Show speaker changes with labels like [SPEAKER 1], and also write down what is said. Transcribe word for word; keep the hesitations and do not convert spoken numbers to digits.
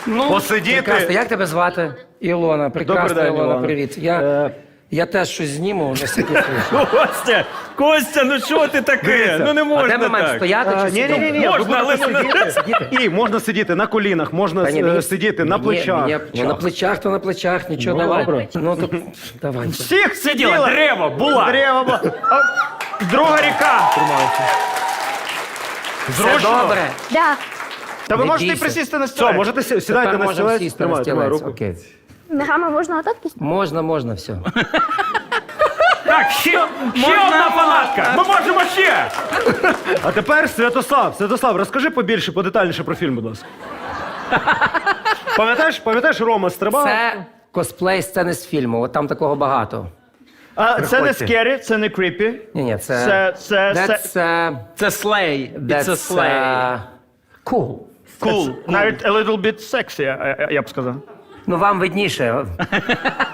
[SPEAKER 1] Ну,
[SPEAKER 2] посидіти.
[SPEAKER 1] прекрасно. Як тебе звати? Ілона. Прекрасно,
[SPEAKER 2] Добрий день,
[SPEAKER 1] Ілона,
[SPEAKER 2] Ілона.
[SPEAKER 1] привіт. Я,
[SPEAKER 2] Е,
[SPEAKER 1] я теж щось зніму, на всякий случай.
[SPEAKER 3] Костя, Костя, ну що ти таке?
[SPEAKER 2] Дивіться.
[SPEAKER 3] Ну не
[SPEAKER 1] А
[SPEAKER 3] можна
[SPEAKER 1] де ми маємо
[SPEAKER 3] так.
[SPEAKER 1] стояти чи
[SPEAKER 2] Ні, ні,
[SPEAKER 1] сидіти?
[SPEAKER 2] ні, ні.
[SPEAKER 3] Можна, але не
[SPEAKER 2] І можна сидіти на колінах, можна
[SPEAKER 1] Та ні,
[SPEAKER 2] е,
[SPEAKER 1] мені-
[SPEAKER 2] сидіти на
[SPEAKER 1] Ні,
[SPEAKER 2] плечах.
[SPEAKER 1] ні, ну, на плечах, то на плечах, нічого,
[SPEAKER 2] Ну,
[SPEAKER 1] давай.
[SPEAKER 2] добре.
[SPEAKER 1] Ну, то давай.
[SPEAKER 3] Всіх сиділа, дерево, була.
[SPEAKER 2] Дерева. бу- А, Друга ріка.
[SPEAKER 1] Все
[SPEAKER 2] Зручно?
[SPEAKER 1] добре.
[SPEAKER 4] Да.
[SPEAKER 2] Та ви
[SPEAKER 1] Не
[SPEAKER 2] можете
[SPEAKER 1] бійся.
[SPEAKER 2] присісти на стілець. Все, можете сі- сідайте
[SPEAKER 1] Тепер
[SPEAKER 2] на
[SPEAKER 1] можемо
[SPEAKER 2] стілець.
[SPEAKER 1] сісти на
[SPEAKER 2] Тримай, тримай
[SPEAKER 1] стілець.
[SPEAKER 2] руку.
[SPEAKER 1] Окей.
[SPEAKER 4] Ногами можна отак пустити?
[SPEAKER 1] Можна, можна, все.
[SPEAKER 3] Так, ще, ще одна фанатка. Ми можемо ще.
[SPEAKER 2] А тепер Святослав. Святослав, розкажи побільше, подетальніше про фільм, будь ласка. Пам'ятаєш, пам'ятаєш, Рома стрибав?
[SPEAKER 1] Це косплей сцени з фільму, от там такого багато.
[SPEAKER 5] А, це не
[SPEAKER 2] Приходьте.
[SPEAKER 5] скері, це не кріпі.
[SPEAKER 1] Ні, ні, це...
[SPEAKER 5] Це, це, це,
[SPEAKER 1] That's, uh,
[SPEAKER 3] Це слей.
[SPEAKER 1] that's,
[SPEAKER 3] Це слей.
[SPEAKER 1] uh, cool.
[SPEAKER 5] cool. Навіть a little bit sexy, я, я, я б сказав.
[SPEAKER 1] Ну, вам видніше.